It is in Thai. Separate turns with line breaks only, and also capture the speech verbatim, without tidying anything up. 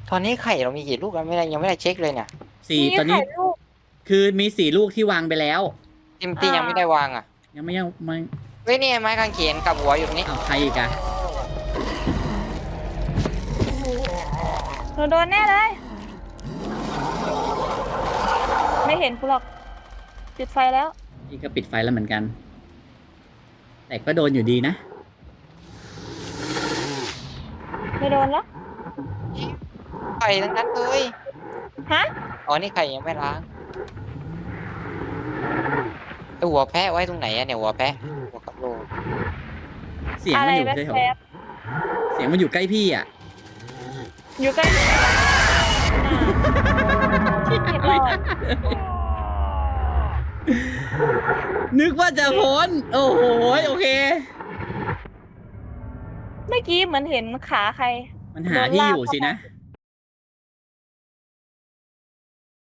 ตอนนี้ไข่เรามีกี่ลูกกันไม่ได้ยังไม่ได้เช็คเลยเนี่ย
สี่
มี
ตอนนี้
ไข่ลูก
คือมีสี่ลูกที่วางไปแล้ว
จิมตี้ยังไม่ได้วางอ่ะ
ยังไม่ยังไม่
เฮ้ยนี่ไม้กางเขนกับหัวอยู่ตรงนี้
อ้าวใครอีกอะ
หนูโดนแน่เลย ไม่เห็นกูหรอกปิดไฟแล้ว
พี่ก็ปิดไฟแล้วเหมือนกัน แต่ก็โดนอยู่ดีนะ
ไม่โดนแล้ว
ไข่ทั้งนั้นเลย
ฮะ
อ๋อนี่ไข่ยังไม่ล้างไอหัวแพะไว้ตรงไหนอะเนี่ยหัวแพะหัวกับโล
เสียง
อะ
มั
ไร
นอยู่
แว
ใกล้
๊บ
เสียงมันอยู่ใกล้พี่อ่ะ
ๆอยู่ใกล้หนูน่ะเรียบร้อย
นึกว่าจะพ้น โอ้โหโอเค
เมื่อกี้เหมือนเห็นขาใคร
มันหาพี่อยู่สินะ
โดนลากเข้า